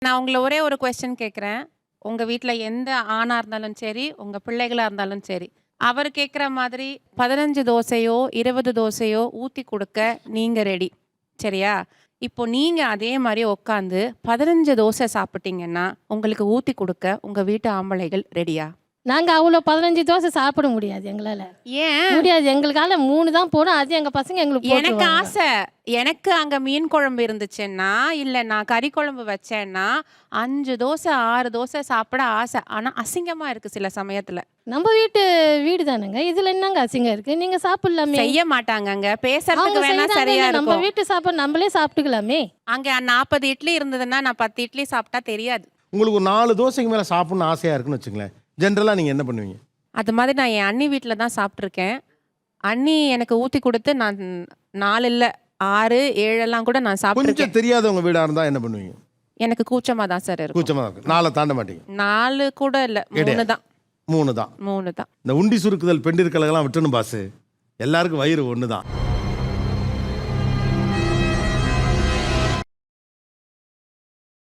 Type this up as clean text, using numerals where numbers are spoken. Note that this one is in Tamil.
நான் உங்கள ஒரே ஒரு கொஸ்டின் கேட்குறேன். உங்க வீட்ல எந்த ஆணா இருந்தாலும் சரி, உங்க பிள்ளைகளா இருந்தாலும் சரி, அவர் கேட்குற மாதிரி 15 தோசையோ, 20 தோசையோ ஊத்தி குடுக்க நீங்க ரெடி. சரியா? இப்போ நீங்க அதே மாரி உட்காந்து 15 தோசை சாப்பிட்டீங்கன்னா, உங்களுக்கு ஊத்தி குடுக்க உங்க வீட்டு ஆம்பளைகள் ரெடியா? நாங்க அவ்வளோ 15 தோசை சாப்பிட முடியாது எங்களால. ஏன்? முடியாது. எங்களுக்கால 3 தான் போடும். அது எங்க பசங்க எங்களுக்கு எனக்கு போட்டுருவாங்க. ஆசை. எனக்கு அங்க மீன் குழம்பு இருந்துச்சுன்னா, இல்ல நான் கறி குழம்பு வச்சேன்னா, 5 தோசை, 6 தோசை சாப்பிட ஆசை. ஆனா அசிங்கமா இருக்கு சில சமயத்துல. நம்ம வீடு தானேங்க. இதுல என்னங்க அசிங்கம் இருக்கு? நீங்க சாப்பிடலாமே. செய்ய மாட்டாங்கங்க. அவங்க பேசுறதுக்கு வேணா செய்றாங்க. சரியா நம்ம இருக்கும். வீட்டு சாப்பாடு நம்மளே சாப்பிட்டுக்கலாமே. அங்க 40 இட்லி இருந்ததுன்னா, நான் 10 இட்லி சாப்பிட்டா தெரியாது. உங்களுக்கு ஒரு 4 தோசைக்கு மேலே சாப்பிட்ணும்னு ஆசையாக இருக்குன்னு வச்சுங்களேன். ஜென்ரலாக நீங்கள் என்ன பண்ணுவீங்க? அது மாதிரி நான் என் அண்ணி வீட்ல தான் சாப்பிட்டுருக்கேன். அண்ணி எனக்கு ஊத்தி குடுத்து நான் 4 இல்ல 6, 7 எல்லாம் கூட நான் சாப்பிட்டுருக்கேன். கொஞ்சம் தெரியாதவங்க வீடாக இருந்தால் என்ன பண்ணுவீங்க? எனக்கு கூச்சமா தான் சார் இருக்கும். கூச்சமாக தான் இருக்கு. 4 தாண்ட மாட்டீங்க. 4 கூட இல்ல. 3 தான். 3 தான். 3 தான். இந்த உண்டி சுருக்குதல் பெண்டிற்கலகெல்லாம் விட்டுணும் பாசு. எல்லாருக்கும் வயிறு ஒன்று தான்.